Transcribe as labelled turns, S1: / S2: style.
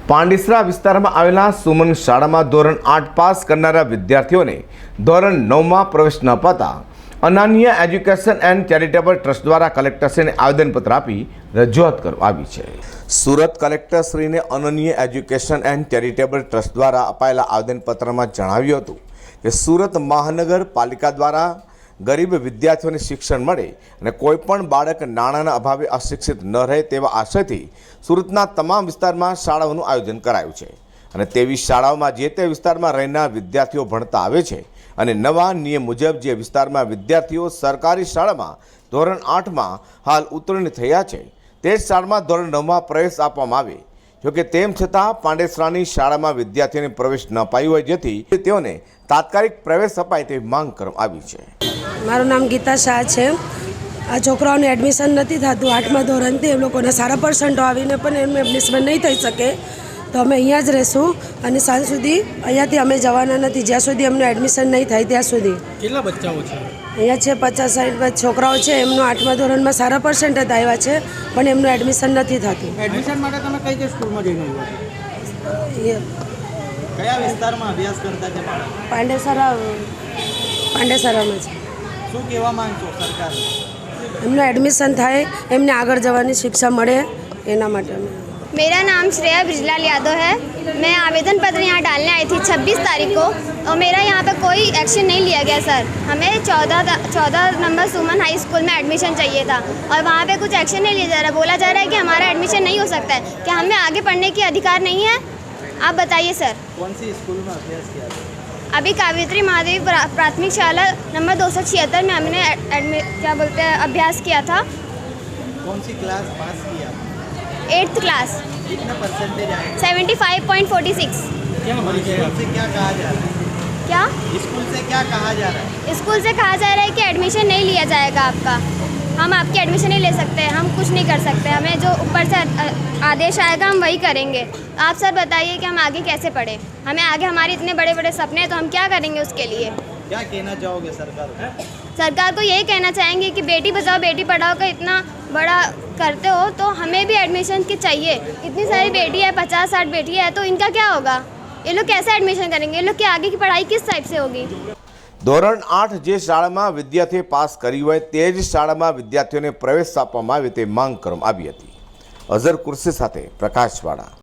S1: પાંડેસરા વિસ્તારમાં આવેલા સુમન શાળામાં ધોરણ 8 પાસ કરનારા વિદ્યાર્થીઓને ધોરણ 9માં પ્રવેશ ન અપાતા Ananya education and charitable trust દ્વારા કલેક્ટરશ્રીને આવેદનપત્ર આપી રજૂઆત કરવામાં આવી છે। સુરત કલેક્ટરશ્રીને Ananya education and charitable trust દ્વારા અપાયેલા આવેદનપત્રમાં જણાવ્યું હતું કે સુરત મહાનગરપાલિકા દ્વારા ગરીબ વિદ્યાર્થીઓને શિક્ષણ મળે અને કોઈપણ બાળક નાણાંના અભાવે અશિક્ષિત ન રહે તેવા આશયથી સુરતના તમામ વિસ્તારમાં શાળાઓનું આયોજન કરાયું છે અને તેવી શાળાઓમાં જે તે વિસ્તારમાં રહેનાર વિદ્યાર્થીઓ ભણતા આવે છે અને નવા નિયમ મુજબ જે વિસ્તારમાં વિદ્યાર્થીઓ સરકારી શાળામાં ધોરણ 8માં હાલ ઉત્તીર્ણ થયા છે તે જ શાળામાં ધોરણ 9માં પ્રવેશ આપવામાં આવે। જોકે તેમ છતાં પાંડેસરાની શાળામાં વિદ્યાર્થીઓને પ્રવેશ ન અપાયો હોય જેથી તેઓને તાત્કાલિક પ્રવેશ અપાય તેવી માંગ કરવામાં આવી છે।
S2: મારું નામ ગીતા શાહ છે। આ છોકરાઓને એડમિશન નથી થતું 8મા ધોરણથી, એ લોકોને સારા પર્સન્ટો આવીને પણ એમનું એડમિશન નહીં થઈ શકે તો અમે અહીંયા જ રહીશું અને સાંજ સુધી અહીંયાથી અમે જવાના નથી જ્યાં સુધી એમનું એડમિશન નહીં થાય ત્યાં સુધી।
S3: કેટલા બચ્ચાઓ છે
S2: અહીંયા છે 50-60 છોકરાઓ છે, એમનું 8મા ધોરણમાં સારા પર્સન્ટ જ આવ્યા છે પણ એમનું એડમિશન નથી થતું।
S3: એડમિશન માટે તમે કઈ સ્કૂલમાં જઈને આવ્યા છો? કયા વિસ્તારમાં અભ્યાસ કરતા છે બાળક?
S2: પાંડેસરામાં છે।
S3: શું કહેવા માંગશો સરકાર?
S2: એમનું એડમિશન થાય, એમને આગળ જવાની શિક્ષા મળે એના માટે અમે।
S4: मेरा नाम श्रेया ब्रिजलाल यादव है। मैं आवेदन पत्र यहाँ डालने आई थी 26 तारीख को और मेरा यहाँ पे कोई एक्शन नहीं लिया गया सर। हमें 14 नंबर सुमन हाई स्कूल में एडमिशन चाहिए था और वहाँ पे कुछ एक्शन नहीं लिया जा रहा। बोला जा रहा है कि हमारा एडमिशन नहीं हो सकता है। क्या हमें आगे पढ़ने की अधिकार नहीं है? आप बताइए सर।
S3: कौन सी स्कूल में अभ्यास किया था?
S4: अभी कावेत्री महादेवी प्राथमिक शाला नंबर 276 में हमने क्या बोलते हैं अभ्यास किया था।
S3: कौन सी क्लास पास किया?
S4: 8th class.
S3: कितना परसेंटेज आया?
S4: 75.46।
S3: क्या स्कूल से क्या कहा जा रहा है?
S4: क्या
S3: स्कूल से क्या कहा जा रहा है?
S4: स्कूल से कहा जा रहा है कि एडमिशन नहीं लिया जाएगा आपका, हम आपकी एडमिशन नहीं ले सकते, हम कुछ नहीं कर सकते, हमें जो ऊपर से आदेश आएगा हम वही करेंगे। आप सर बताइए कि हम आगे कैसे पढ़ें? हमें आगे हमारे इतने बड़े बड़े सपने हैं तो हम क्या करेंगे उसके लिए?
S3: क्या कहना चाहोगे सरकार को?
S4: सरकार को यही कहना चाहेंगे कि बेटी बचाओ बेटी पढ़ाओ का इतना बड़ा करते हो तो हमें भी एडमिशन की चाहिए। इतनी सारी बेटी है, 50-60 बेटी है, तो इनका क्या होगा? ये लोग कैसे एडमिशन करेंगे? ये लोग की आगे की पढ़ाई किस टाइप से होगी?
S1: ધોરણ 8 જે શાળામાં વિદ્યાર્થીએ પાસ કરી હોય તે જ શાળામાં વિદ્યાર્થીઓને પ્રવેશ આપવામાં આવે તે માંગ કરવામાં આવી હતી। અઝર કુર્સી સાથે પ્રકાશવાળા।